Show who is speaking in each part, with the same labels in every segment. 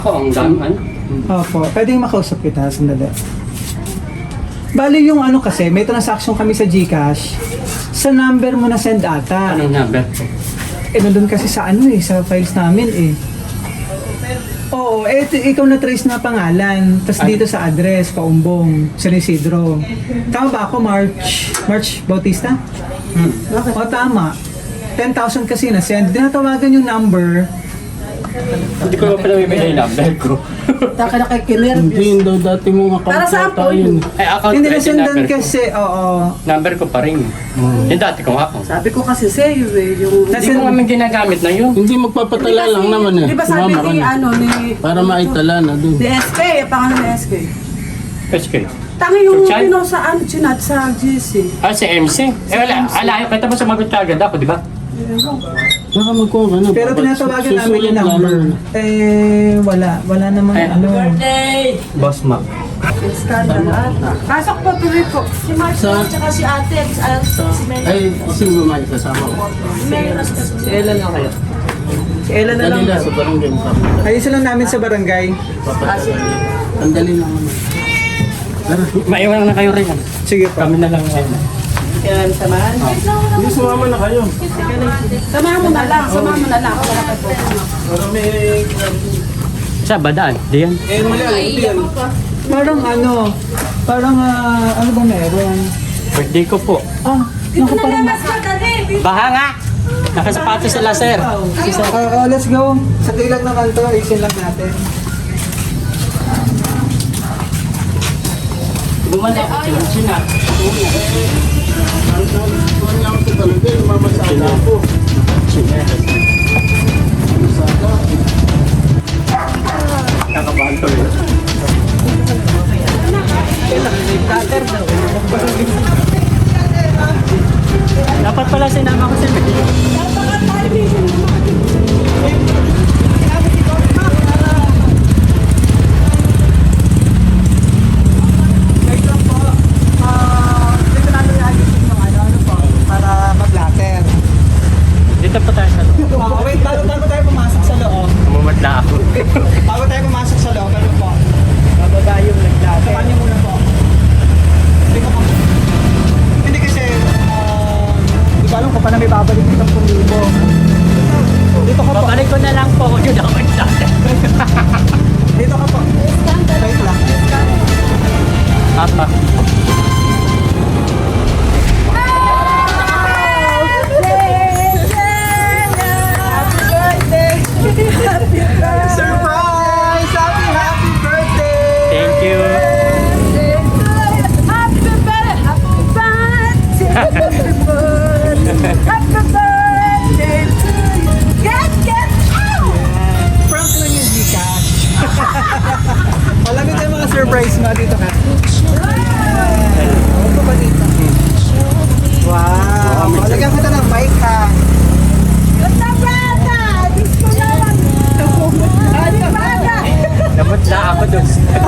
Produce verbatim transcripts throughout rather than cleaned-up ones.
Speaker 1: Oh, ang dami.
Speaker 2: Opo, pwedeng makausap kita, sandali. Bali yung ano kasi, may transaction kami sa GCash. Sa number mo na send ata.
Speaker 1: Anong number?
Speaker 2: Eh, nandun kasi sa ano eh, sa files namin eh. Oo, eh, t- ikaw na trace na pangalan. Tapos dito sa address, Paumbong, San Isidro. Tama ba ako, March? March Bautista?
Speaker 1: Hmm.
Speaker 2: O, tama. ten thousand kasi na send. Dinatawagan yung number.
Speaker 1: Hindi ko pa pala bibigay yung number ko.
Speaker 3: Taka na kay Kiner.
Speaker 4: Hindi yun daw dati mong account
Speaker 3: Para saan
Speaker 4: yata
Speaker 3: po
Speaker 4: yun.
Speaker 1: Ay, account
Speaker 2: Hindi
Speaker 1: ko
Speaker 2: na
Speaker 1: yung
Speaker 2: sundan
Speaker 1: number ko.
Speaker 2: kasi, oo.
Speaker 1: Number ko pa rin. Yung dati kong account.
Speaker 3: Sabi ko kasi sa'yo eh, yung...
Speaker 1: Hindi ko naman ginagamit na yun.
Speaker 4: Hindi magpapatala lang naman eh.
Speaker 3: Di ba sabi
Speaker 4: Sumama ka
Speaker 3: ni
Speaker 4: na.
Speaker 3: ano, ni...
Speaker 4: Para maitala na dun.
Speaker 3: Ni S K, pangalan ni S K.
Speaker 1: H K.
Speaker 3: Tangi yung
Speaker 1: Chat?
Speaker 3: pino sa ano, chinat sa G C.
Speaker 1: Ah, si M C. Eh wala, alayo. Kita mo sumagot ka agad ako, di ba?
Speaker 4: Baka magkuha ka na.
Speaker 2: Pero
Speaker 4: Ba't
Speaker 2: tinatawagan namin
Speaker 4: susulat
Speaker 2: yung
Speaker 4: lang
Speaker 2: number.
Speaker 4: naman?
Speaker 2: Eh, wala. Wala namang
Speaker 1: Ay,
Speaker 2: ano.
Speaker 1: Boss Mac.
Speaker 3: Scandal ata. Pasok po, tuloy po. Si Mark
Speaker 4: Sa-
Speaker 3: tsaka si ate, si, Al- si Mel.
Speaker 4: Ay, sino ba may kasama ko?
Speaker 3: Si Mel Rastas.
Speaker 1: Si Ellen na kayo.
Speaker 2: Si Ella na lang.
Speaker 4: Dali na sa barangay mo kapit.
Speaker 2: Ayusin lang namin sa barangay.
Speaker 4: Papatala. Ang dali lang naman. Tara.
Speaker 1: Maiwan na kayo rin.
Speaker 2: Sige po.
Speaker 1: Kami na lang ngayon.
Speaker 3: Kailan samahan?
Speaker 4: Hindi, sumama na kayo.
Speaker 3: Samahan mo na lang, samahan mo na lang. Wala ka po.
Speaker 4: Para may...
Speaker 1: Sa badaan, di yan.
Speaker 4: Eh, mali ang ito yan.
Speaker 2: Parang ano, parang ah, ano ba meron?
Speaker 1: Birthday ko po.
Speaker 2: Ah, naku parang...
Speaker 1: Baha nga! Nakasapatos sila, sir.
Speaker 2: Sige, sir. Ah, ah, let's go. Sa tilang naman to, isin lang natin.
Speaker 1: Bumalik ako sa China.
Speaker 4: Kuhan niya ako sa talaga. Mamasada ako. Mamasada.
Speaker 1: Kakabahan ko rin. Dapat pala sinama ko si Mel.
Speaker 2: Wait lang po. Ah, dito namin ayusin yung ano, ano po, para mag-latter.
Speaker 1: Dito pa tayo sa loob.
Speaker 2: Ah, wait, bago, bago tayo pumasok sa loob.
Speaker 1: Mumadla ako.
Speaker 2: Bago tayo pumasok sa loob, ano po? Bababa yung nag-latter. Saka niyo muna po. Hindi ko pa. Hindi kasi, ah, hindi ko alam kung paano may babalik ng ten thousand. Dito ka po.
Speaker 1: Babalik ko na lang po kung yun ako mag-starter.
Speaker 2: Dito ka po. Wait lang.
Speaker 1: Apa.
Speaker 2: Surprise! Happy, happy birthday!
Speaker 1: Thank you.
Speaker 2: Prank lang yung Gcash. Malamig tayo mga surprise mo dito ka. Ano ba dito? Wow! Lagyan kita ng mic ha.
Speaker 1: Namadla ako dun.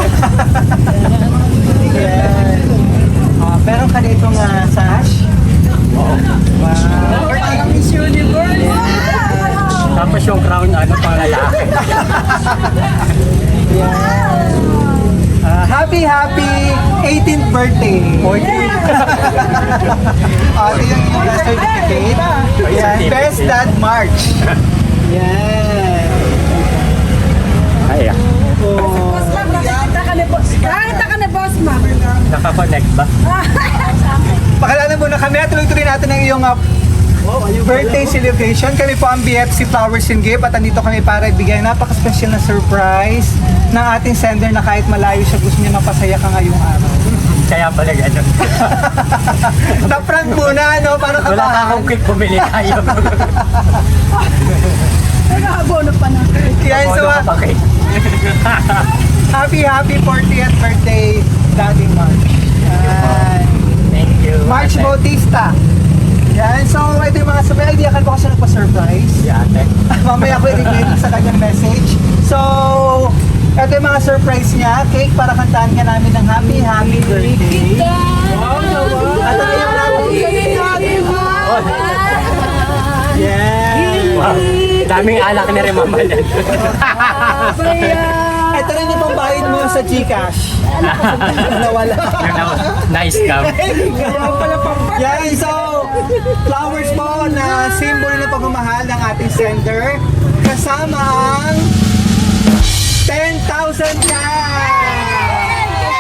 Speaker 2: Yan. Ah, meron ka ditong uh, sash.
Speaker 1: Oo.
Speaker 2: Wow! Parang Miss Universe!
Speaker 1: Tapos yung crown, ano, pang lalaki.
Speaker 2: Yan. Ah, happy, happy eighteenth birthday! Ah, ito yung yung certificate. Yan. Best Dad March. Yan.
Speaker 1: Ay, ah.
Speaker 2: Oh.
Speaker 3: Nakita ka na boss, ma'am.
Speaker 1: Nakakonect ba?
Speaker 2: Pakilala muna kami at tuloy-tuloy natin ang iyong uh, birthday celebration. Kami po ang B F C Flowers and Gift at andito kami para ibigay napaka-special na surprise ng ating sender na kahit malayo siya gusto niya mapasaya ka ngayong araw.
Speaker 1: Kaya pala gano'n.
Speaker 2: Na-prank muna, no? Para
Speaker 1: Wala ka
Speaker 2: kabahan.
Speaker 1: akong quick bumili tayo.
Speaker 3: Nag-aabono pa na.
Speaker 2: Yan, so,
Speaker 1: Ano
Speaker 2: uh,
Speaker 1: ka pa kay?
Speaker 2: happy, happy fortieth birthday, Daddy March. Yan.
Speaker 1: Thank you.
Speaker 2: March
Speaker 1: Ate.
Speaker 2: Bautista. Yan, so ito yung mga sabi. Idea ka ko kasi nagpa-surprise.
Speaker 1: Si ate.
Speaker 2: Mamaya ko i-read sa kanyang message. So, ito yung mga surprise niya. Cake para kantahan ka namin ng happy, happy birthday. At ano yung natin?
Speaker 1: Oh.
Speaker 2: Yan.
Speaker 1: Wow. Daming alak ni rin mamalan.
Speaker 2: Ito rin yung pambayad mo sa Gcash. Nawala.
Speaker 1: Na-scam.
Speaker 2: Kaya pala pang- Yan, so, flowers po na symbol ng pagmamahal ng ating sender. Kasama ang ten thousand cash!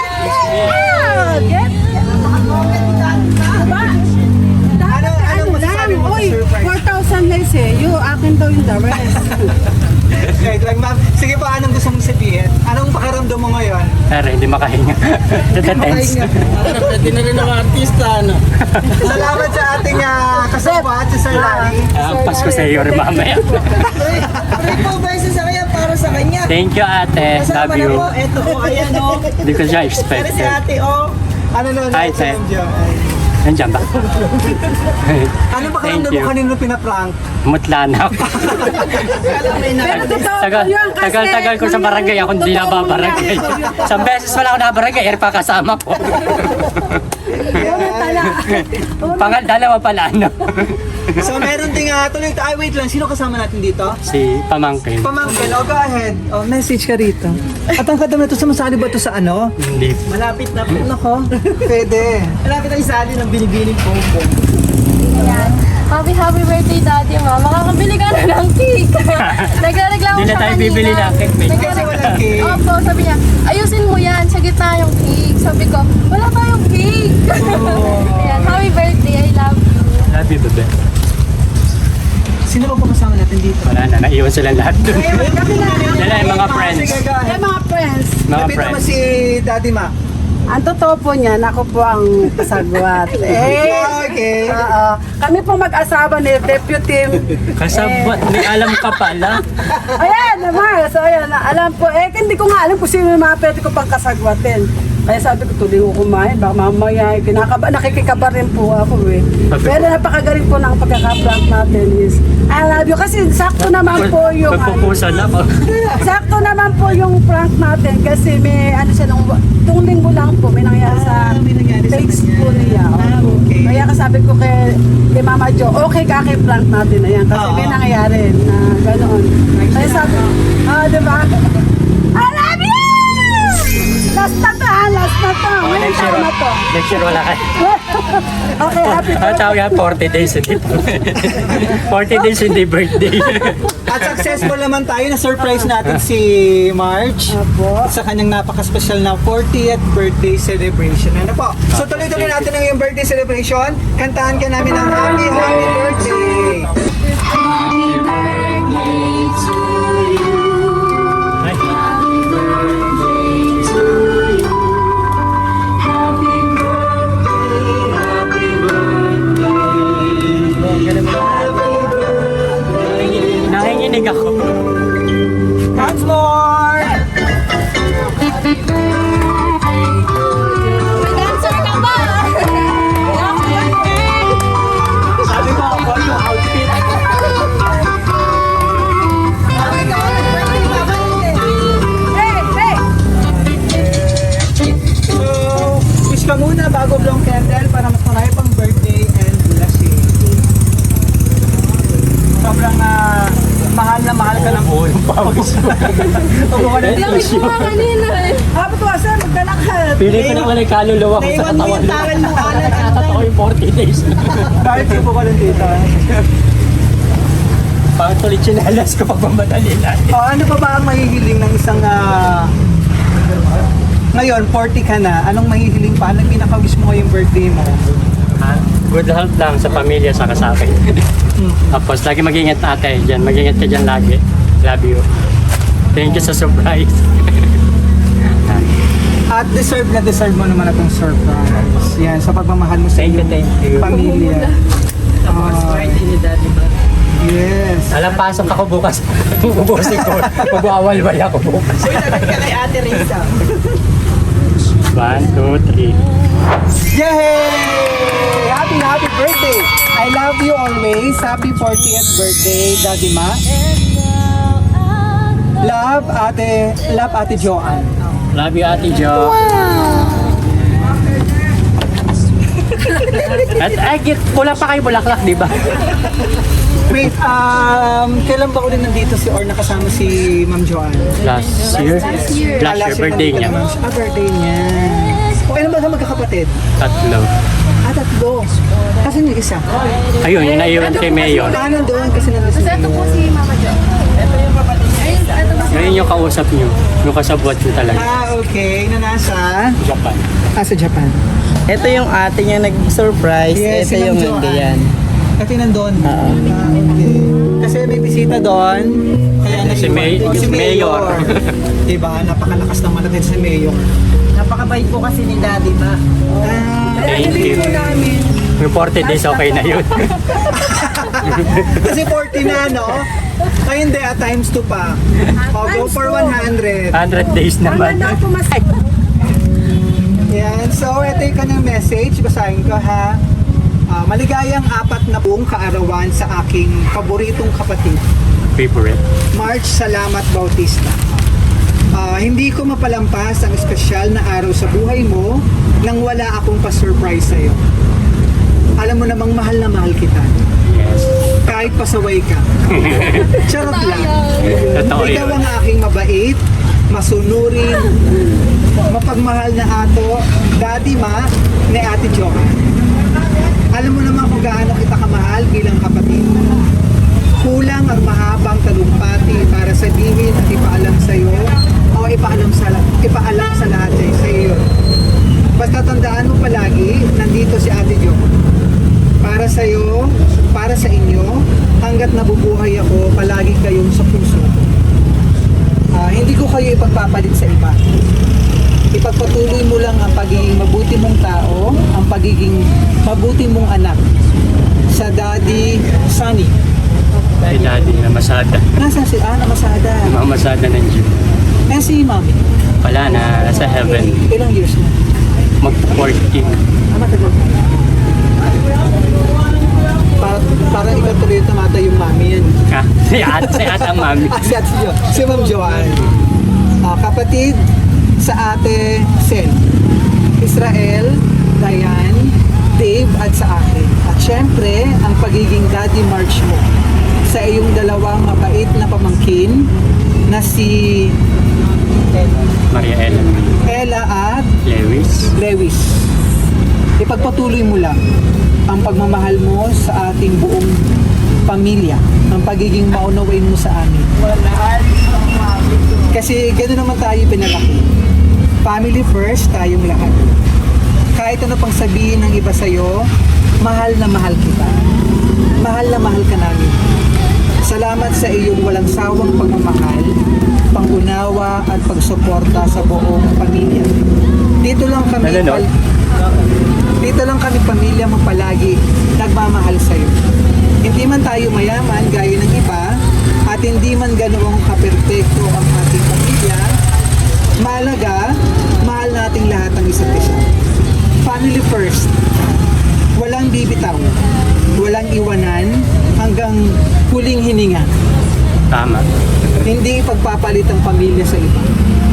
Speaker 2: Ano, anong masasabi mo sa
Speaker 3: Uy,
Speaker 2: surprise?
Speaker 3: four thousand guys eh. Yung akin daw yung the rest.
Speaker 2: Wait lang, ma'am. Sige pa, anong gusto mong sabihin? Anong pakiramdam mo ngayon?
Speaker 1: Pero hindi makahinga. Tense.
Speaker 4: Pwede na rin ang artista, ano?
Speaker 2: Salamat sa ating uh, kasama at sa Sir Larry.
Speaker 1: Ang Pasko sa iyo rin mamaya.
Speaker 5: Free po beses sa kanya para sa kanya.
Speaker 1: Thank you ate. Love
Speaker 5: Kasama na
Speaker 1: you.
Speaker 5: po, eto po, ayan o.
Speaker 1: Hindi ko siya
Speaker 5: Pero si
Speaker 1: expected.
Speaker 5: ate o.
Speaker 2: Ano na
Speaker 1: Hi,
Speaker 2: na
Speaker 1: Sir.
Speaker 2: Diyan.
Speaker 1: Nandiyan ba?
Speaker 2: Ano ba
Speaker 1: Thank
Speaker 2: karamdam
Speaker 1: you.
Speaker 2: mo kanino pinaprank?
Speaker 1: Mutla na ako.
Speaker 3: Pero totoo po
Speaker 1: Tagal,
Speaker 3: yun kasi...
Speaker 1: tagal-tagal ko sa barangay. Ako hindi na babarangay. Isang beses wala ako na barangay. Er pa kasama ko. Pangal, dalawa pala ano.
Speaker 2: So meron ding uh, tuloy, ay wait lang, sino kasama natin dito?
Speaker 1: Si Pamangkin.
Speaker 2: Pamangkin, oh go ahead. Oh, message ka rito. At ang kadam na to, sumasali ba to sa ano?
Speaker 1: Hindi.
Speaker 5: Malapit na po.
Speaker 2: Nako, pwede.
Speaker 5: Malapit na isali ng binibining pompom.
Speaker 6: Yan. Happy, happy birthday, Daddy, ma. Makakabili ka na ng cake. Nagreklamo
Speaker 1: Hindi na
Speaker 6: siya
Speaker 1: tayo
Speaker 6: kanina.
Speaker 1: bibili ng cake, babe.
Speaker 2: Kasi walang cake.
Speaker 6: Opo, sabi niya, ayusin mo yan, sa gitna yung cake. Sabi ko, wala tayong cake. Ayan, happy birthday, I love you.
Speaker 1: Love you, bebe.
Speaker 2: Sino ba po kasama natin dito?
Speaker 1: Wala na, naiwan silang lahat dun. Yan na yung mga friends.
Speaker 2: Sige, go ahead.
Speaker 3: Eh mga friends,
Speaker 1: Mga
Speaker 2: Lapit naman
Speaker 1: friends.
Speaker 2: si Daddy Ma.
Speaker 3: ang totoo po niyan, ako po ang kasagwat. Eh,
Speaker 2: Okay.
Speaker 3: oo. Kami po mag-asawa ni Deputy.
Speaker 1: Kasabot, may alam ka pala.
Speaker 3: Ayan, naman. So, ayan, alam po. Eh, hindi ko nga alam kung sino yung mga pwede ko pang kasagwatin. Kaya sabi ko, tuloy ko kumain. Baka mamaya, eh, kinakaba, nakikikaba rin po ako eh. Pero napakagaling po ng pagkaka-prank natin is, I love you. Kasi sakto naman po yung...
Speaker 1: Pagpupusan ako.
Speaker 3: Sakto naman po yung prank natin kasi may ano siya nung tung linggo lang po may nangyari sa
Speaker 2: Ah, may nangyari sa
Speaker 3: face
Speaker 2: kanya.
Speaker 3: po niya.
Speaker 2: Ah, okay.
Speaker 3: Kaya kasabi ko kay, kay Mama Jo, okay ka kay prank natin na yan kasi
Speaker 2: Oo.
Speaker 3: may nangyari na ganoon. Kaya sabi, ah, di ba? I love you! Last na to, ah, last na to.
Speaker 1: Oh,
Speaker 3: Ngayong
Speaker 1: next year,
Speaker 3: taon na to.
Speaker 1: next year wala ka.
Speaker 3: Okay, happy
Speaker 1: Ang
Speaker 3: birthday.
Speaker 1: tawag yan, forty days, hindi forty days, hindi birthday.
Speaker 2: At successful naman tayo na surprise natin si March
Speaker 3: Apo.
Speaker 2: sa kanyang napaka-special na fortieth birthday celebration. Ano po? So tuloy-tuloy natin ang iyong birthday celebration. Kantahan ka namin ng happy, happy birthday!
Speaker 1: Ay, nanginginig ako.
Speaker 2: Once more!
Speaker 6: May dancer ka ba?
Speaker 1: Sabi ko ako yung outfit.
Speaker 3: Hey, hey!
Speaker 2: So, wish ka muna bago blow candle para mas marami pang birthday and blessing. Sobrang ah, mahal na mahal ka ng
Speaker 1: Oo, yung pawis mo.
Speaker 2: Pagbuka ng
Speaker 6: Lamig ko nga kanina eh.
Speaker 3: Happy ko, sir, magdala ka.
Speaker 1: Pili ko naman yung kaluluwa ko sa
Speaker 5: Naiwan mo
Speaker 1: katawan.
Speaker 5: yung taral mo, alat.
Speaker 1: Nakatato ko yung forty days.
Speaker 2: Kahit siya po ka lang dito.
Speaker 1: Bakit tuloy chinalas ko pag mamadali lang?
Speaker 2: O, ano pa ba ang mahihiling ng isang... ah, ngayon, forty ka na. Anong mahihiling pa? Anong pinaka-wish mo ngayong birthday mo?
Speaker 1: Ha? Good health lang sa pamilya sa sa akin. Tapos lagi mag-ingat ate dyan. Mag-ingat ka dyan lagi. Love you. Thank you sa surprise.
Speaker 2: At deserve na deserve mo naman itong surprise. Yan, sa pagmamahal mo sa
Speaker 1: Thank you,
Speaker 2: iyong
Speaker 1: thank you.
Speaker 2: pamilya. Ah,
Speaker 4: Ni Daddy ba?
Speaker 2: yes.
Speaker 1: Alam, pasok ako bukas. Ubusin ko. Mag-awal-wal ako bukas.
Speaker 5: Sagot ka kay Ate Risa.
Speaker 1: One, two, three.
Speaker 2: Yay! Happy, happy birthday! I love you always. Happy fortieth birthday, Daddy Ma. Love, ate, love, ate Joanne.
Speaker 1: Love you, Ate Jo. At ay, git, wala pa kayo bulaklak, di ba?
Speaker 2: Wait, um, kailan ba ulit nandito si or nakasama si Ma'am Joanne?
Speaker 1: Last year?
Speaker 6: Last year.
Speaker 1: Last year, birthday niya.
Speaker 2: Ah, birthday niya. O, ilan ba ka magkakapatid?
Speaker 1: Tatlo.
Speaker 2: Ah, tatlo. Kasi yung isa.
Speaker 1: Ayun, yung naiwan kay Mayor.
Speaker 2: Ah, nandoon kasi nandun si
Speaker 6: Kasi ito po si Mama Jo. Ito yung kapatid niya. Ayun, ito po si
Speaker 1: Ngayon yung kausap niyo. Yung kasabwat niyo talaga.
Speaker 2: Ah, okay. Na nasa?
Speaker 1: Japan.
Speaker 2: Ah, sa Japan.
Speaker 5: Ito yung ate niya nag-surprise.
Speaker 2: Yes, si
Speaker 5: Ito yung
Speaker 2: Ma'am Joanne.
Speaker 5: ganyan.
Speaker 2: Kasi nandun. Ah, okay. Kasi may bisita doon. Kaya nag-
Speaker 1: Si May-
Speaker 2: si
Speaker 1: si Mayor.
Speaker 2: diba? Napakalakas naman natin si Mayor.
Speaker 5: Napakabait po kasi ni Daddy ba?
Speaker 2: Ah,
Speaker 1: Thank you. Yung forty days okay na yun.
Speaker 2: kasi forty na, no? Ay, hindi. At times two pa. O, go for one hundred.
Speaker 1: one hundred days naman.
Speaker 3: Ano po mas...
Speaker 2: Yan. So, ito yung kanyang message. Basahin ko, ha? Ah, maligayang apat na buong kaarawan sa aking paboritong kapatid.
Speaker 1: Favorite.
Speaker 2: March Salamat Bautista. Ah, hindi ko mapalampas ang espesyal na araw sa buhay mo nang wala akong pa-surprise sa'yo. Alam mo namang mahal na mahal kita.
Speaker 1: Yes.
Speaker 2: Kahit pasaway ka. Charot lang.
Speaker 1: Totoo
Speaker 2: Ikaw
Speaker 1: yun.
Speaker 2: ang aking mabait, masunurin, mapagmahal na ato, Daddy Ma, ni Ate Joanne. Alam mo naman kung gaano kita kamahal bilang kapatid. Kulang ang mahabang talumpati para sabihin at ipaalam sa iyo o ipaalam sa, ipaalam sa lahat sa iyo. Basta tandaan mo palagi, nandito si Ate Jo. Para sa iyo, para sa inyo, hanggat nabubuhay ako, palagi kayong sa puso. Ah, hindi ko kayo ipagpapalit sa iba. Ipagpatuloy mo lang ang pagiging mabuti mong tao, ang pagiging mabuti mong anak. Sa Daddy Sunny.
Speaker 1: Si Daddy na masada.
Speaker 2: Nasaan si Ana Masada?
Speaker 1: Mamasada ng Jew.
Speaker 2: Eh si Mami.
Speaker 1: Wala na, nasa heaven.
Speaker 2: Ilang years na?
Speaker 1: Mag-fourteen.
Speaker 2: Ah, matagal. Para, para ikaw tuloy yung tamata yung mami yan.
Speaker 1: Ah, si At, si At ang mami.
Speaker 2: Ah, si Ate Jo. Si Ma'am Joanne. Ah, kapatid sa Ate Sen. Israel, Diane, Dave at sa akin. At syempre, ang pagiging Daddy March mo sa iyong dalawang mabait na pamangkin na si
Speaker 1: Maria Ellen.
Speaker 2: Ella at
Speaker 1: Lewis.
Speaker 2: Lewis. Ipagpatuloy mo lang ang pagmamahal mo sa ating buong pamilya, ang pagiging maunawain mo sa amin. Kasi gano'n naman tayo pinalaki. Family first, tayong lahat. Kahit ano pang sabihin ng iba sa'yo, mahal na mahal kita. Mahal na mahal ka namin. Salamat sa iyong walang sawang pagmamahal, pangunawa at pagsuporta sa buong pamilya. Dito lang kami
Speaker 1: Nanonood?
Speaker 2: pal- Dito lang kami pamilya mo palagi nagmamahal sa iyo. Hindi man tayo mayaman gaya ng iba at hindi man ganoong kaperpekto ang ating pamilya, mahalaga, mahal nating lahat ang isa't isa. Family first. Walang bibitaw, walang iwanan hanggang huling hininga.
Speaker 1: Tama.
Speaker 2: Hindi ipagpapalit ang pamilya sa iba.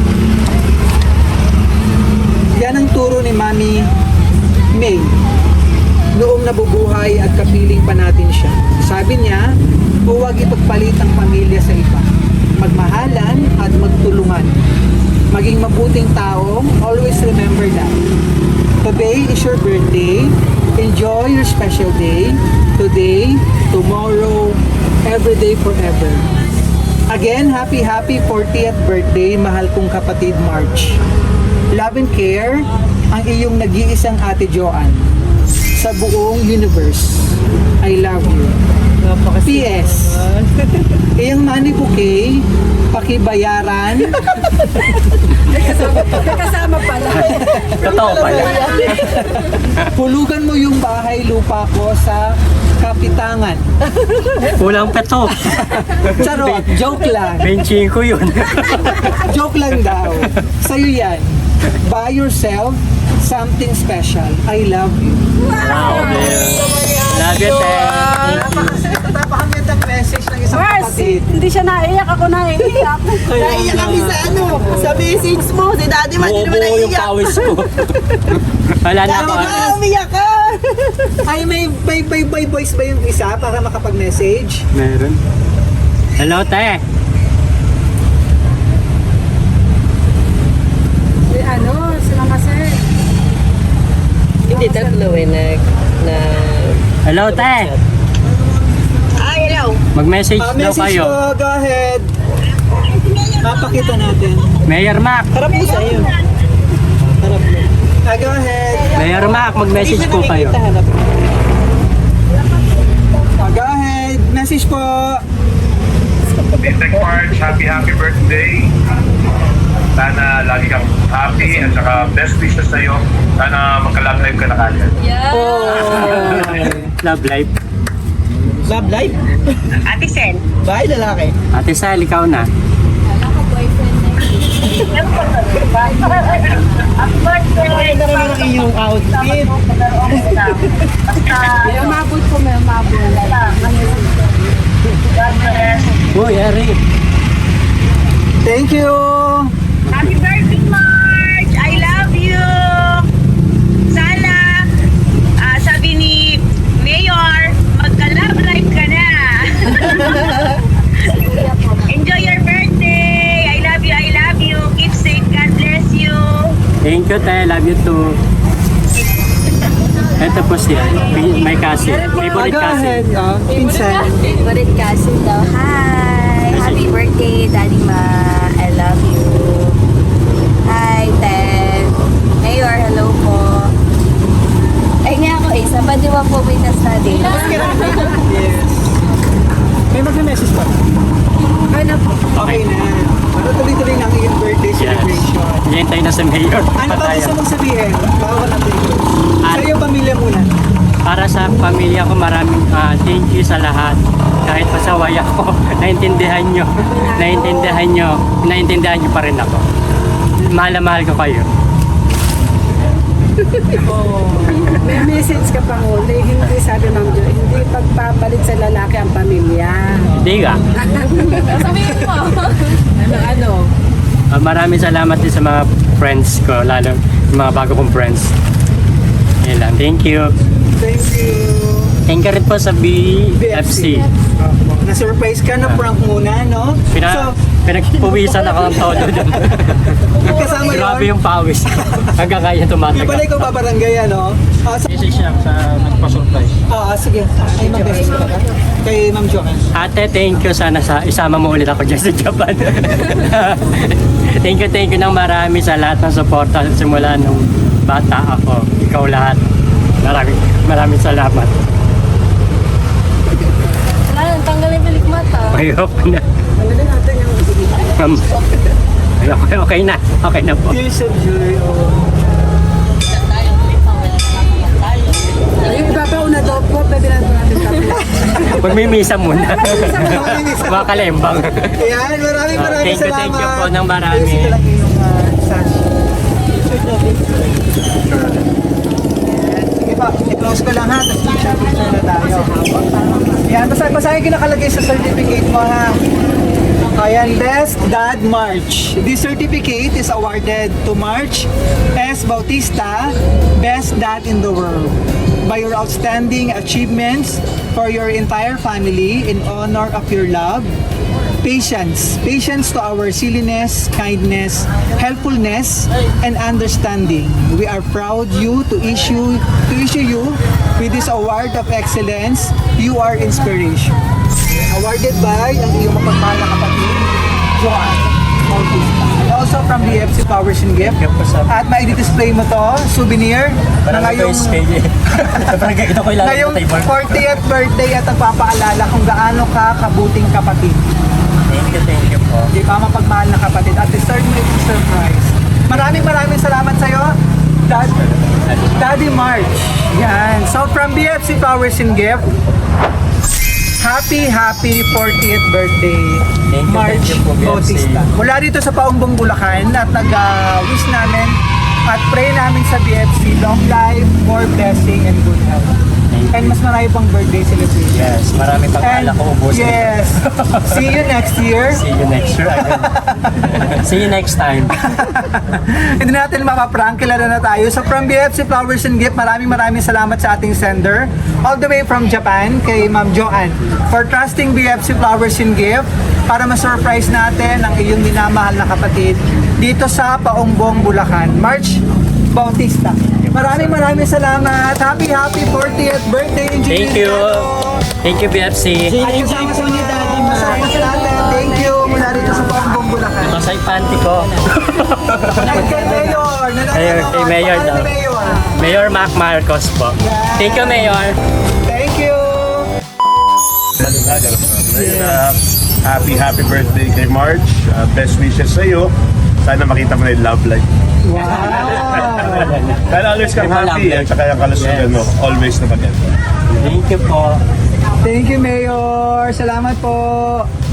Speaker 2: Yan ang turo ni Mami May noong nabubuhay at kapiling pa natin siya. Sabi niya, huwag ipagpalit ang pamilya sa iba. Magmahalan at magtulungan. Maging mabuting tao, always remember that. Today is your birthday. Enjoy your special day. Today, tomorrow, every day, forever. Again, happy, happy fortieth birthday, mahal kong kapatid March. Love and care, ang iyong nag-iisang Ate Joanne sa buong universe. I love you. P S Iyang money bouquet, pakibayaran.
Speaker 3: Kasama pala.
Speaker 1: Totoo pala.
Speaker 2: Hulugan mo yung bahay lupa ko sa Kapitangan.
Speaker 1: Kulang pa to.
Speaker 2: Charot, joke lang.
Speaker 1: Benching ko yun.
Speaker 2: Joke lang daw. Sa'yo yan. Buy yourself something special. I love you.
Speaker 1: Wow, dear. Love you, Thank you.
Speaker 2: Napakagandang message ng isang
Speaker 3: Mars,
Speaker 2: kapatid.
Speaker 3: hindi siya naiyak. Ako naiiyak.
Speaker 5: Naiyak kami sa ano, sa message mo. Si Daddy man, hindi naman
Speaker 1: Buo yung
Speaker 5: naiiyak.
Speaker 1: pawis ko. Wala na ako.
Speaker 5: Daddy ka, umiyak ka.
Speaker 2: Ay, may may may may voice ba yung isa para makapag-message?
Speaker 1: Meron. Hello, te.
Speaker 3: Si ano, si Mama Sir.
Speaker 5: Hindi, tatlo eh, nag, na...
Speaker 1: Hello, te.
Speaker 5: Ah, hello.
Speaker 1: Mag-message
Speaker 2: Ah,
Speaker 1: daw
Speaker 2: message
Speaker 1: kayo.
Speaker 2: po, go ahead. Papakita natin.
Speaker 1: Mayor Mac.
Speaker 5: Harap mo sa'yo. Harap mo.
Speaker 2: Ah, go ahead.
Speaker 1: Mayor Mac, mag-message po kayo.
Speaker 5: Harap mo.
Speaker 2: Ah, go ahead. Message po.
Speaker 7: Insect March, happy happy birthday. Sana lagi kang happy at saka best wishes sa'yo. Sana magka-love life ka na kagad.
Speaker 6: Yeah.
Speaker 1: Love life.
Speaker 5: Love life?
Speaker 7: Ate Sen.
Speaker 5: Bahay lalaki.
Speaker 1: Ate Sal, ikaw na.
Speaker 6: Wala ka boyfriend na.
Speaker 5: Maganda rin ang iyong outfit.
Speaker 3: May umabot po, may umabot.
Speaker 1: Uy, Ari.
Speaker 2: Thank you.
Speaker 8: Happy birthday, March! I love you! Sana, ah, sabi ni Mayor, magka-love life ka na! Enjoy your birthday! I love you, I love you! Keep safe, God bless you!
Speaker 1: Thank you, te. Love you too. Ito po siya. May kasi.
Speaker 2: Ah,
Speaker 1: Favorite
Speaker 2: go
Speaker 1: kasi.
Speaker 2: ahead. Ah, pinsan.
Speaker 9: Favorite cousin daw. Hi! Happy birthday, Daddy Ma. I love you. Hi, Ted. Mayor, hello po. Ay nga ako eh, sa Badiwa po may na-study.
Speaker 2: Yes. May mag-message pa.
Speaker 3: Okay na po.
Speaker 2: Okay na. Ano tuloy-tuloy ng iyong birthday
Speaker 1: Yes.
Speaker 2: celebration?
Speaker 1: Hintay na sa mayor.
Speaker 2: Ano ba gusto mong sabihin? Bawal natin ito.
Speaker 1: Ah.
Speaker 2: Sa iyong pamilya muna.
Speaker 1: Para sa pamilya ko, maraming ah, thank you sa lahat. Kahit pasaway ako, naintindihan nyo. Naintindihan nyo. Naintindihan nyo pa rin ako. Mahal na mahal ko kayo.
Speaker 3: May message ka pang uli. Hindi, sabi Ma'am Jo, hindi pagpapalit sa lalaki ang pamilya.
Speaker 1: Hindi ka?
Speaker 6: Sabihin mo.
Speaker 3: Ano, ano?
Speaker 1: Ah, maraming salamat din sa mga friends ko, lalo yung mga bago kong friends. Yan lang. Thank you.
Speaker 2: Thank you.
Speaker 1: Thank you rin po sa B F C.
Speaker 2: Opo. Na-surprise ka na prank muna, no?
Speaker 1: Pina,
Speaker 2: So,
Speaker 1: pinagpuwisan ako ng todo dun.
Speaker 2: kasama
Speaker 1: Grabe
Speaker 2: yun.
Speaker 1: yung pawis. Hanggang kaya
Speaker 2: Yung pala
Speaker 1: tumatagal.
Speaker 2: ikaw babarangay, ano? Ah, sa,
Speaker 1: Message siya sa nagpa-surprise.
Speaker 2: ah, sige. Ay, mag-message ka ba? Kay Ma'am Joanne.
Speaker 1: Ate, thank you. Sana sa, isama mo ulit ako dyan sa Japan. Thank you, thank you ng marami sa lahat ng suporta simula nung bata ako. Ikaw lahat. Maraming, maraming salamat.
Speaker 6: Wala nang tanggalin pilik mata.
Speaker 1: Mahirap na.
Speaker 3: Tanggalin natin yung
Speaker 1: Um, okay, okay na. Okay na po.
Speaker 2: Tears of joy. Oh.
Speaker 3: Yung iba pa una daw po, pwede na natin tapos.
Speaker 1: Magmimisa muna. Mga kalembang.
Speaker 2: Ayan, maraming
Speaker 1: Ah,
Speaker 2: maraming
Speaker 1: thank you,
Speaker 2: salamat.
Speaker 1: thank you po ng marami.
Speaker 2: Ayusin ko lang yung uh, sash. Sige pa, i-close ko lang ha, tapos picture-picture na tayo. Ayan, basta basahin ko nakalagay sa certificate mo ha. Ayan, Best Dad March. This certificate is awarded to March S. Bautista, Best Dad in the World, by your outstanding achievements for your entire family in honor of your love, patience, patience to our silliness, kindness, helpfulness, and understanding. We are proud you to issue to issue you with this award of excellence. You are inspiration. Awarded by ang iyong mapagmahal na kapatid, Joanne Bautista. And also from the F C Flowers and Gift. At mai-display mo to, souvenir, na ngayong, ngayong fortieth birthday at nagpapaalala kung gaano ka kabuting kapatid.
Speaker 1: Thank you, thank you po.
Speaker 2: Di ba mapagmahal na kapatid at deserve mo itong surprise. Maraming maraming salamat sa'yo, Dad, Daddy March. Yan. So from B F C Flowers and Gift, happy, happy fortieth birthday,
Speaker 1: Thank you,
Speaker 2: March
Speaker 1: thank you po, B F C.
Speaker 2: Bautista. Mula dito sa Paumbong, Bulacan at nag-wish namin At pray namin sa B F C, long life, more blessing, and good health. And mas marami pang birthday celebration.
Speaker 1: Yes, marami pang
Speaker 2: And
Speaker 1: alak ko ubusin.
Speaker 2: yes, see you next year.
Speaker 1: See you next year again. See you next time.
Speaker 2: Hindi natin mapaprank, kilala na tayo. So from B F C Flowers and Gift, maraming maraming salamat sa ating sender. All the way from Japan, kay Ma'am Joanne, for trusting B F C Flowers and Gift para ma-surprise natin ang iyong minamahal na kapatid dito sa Paumbong, Bulacan. March Bautista. Maraming maraming salamat. Happy, happy fortieth birthday. Enjoy
Speaker 1: Thank you. Thank you, B F C.
Speaker 2: At kasama sa mga kasama sa natin. Thank you. Mula rito sa Paumbong, Bulacan.
Speaker 1: Masay panty ko.
Speaker 2: At kay Mayor. na
Speaker 1: Mayor,
Speaker 2: nanonood.
Speaker 1: kay Mayor
Speaker 2: Pangalan
Speaker 1: daw.
Speaker 2: ni Mayor.
Speaker 1: Mayor Mac Marcos po. Thank you, Mayor.
Speaker 2: Thank you.
Speaker 7: Uh, happy, happy birthday kay March. Uh, best wishes sa iyo. Sana makita mo na yung love life.
Speaker 2: Wow.
Speaker 7: Sana always kang
Speaker 1: May
Speaker 7: happy
Speaker 1: love
Speaker 7: at saka yung kalusugan
Speaker 1: Yes.
Speaker 7: mo. Always na maganda.
Speaker 1: Thank you po.
Speaker 2: Thank you, Mayor. Salamat po.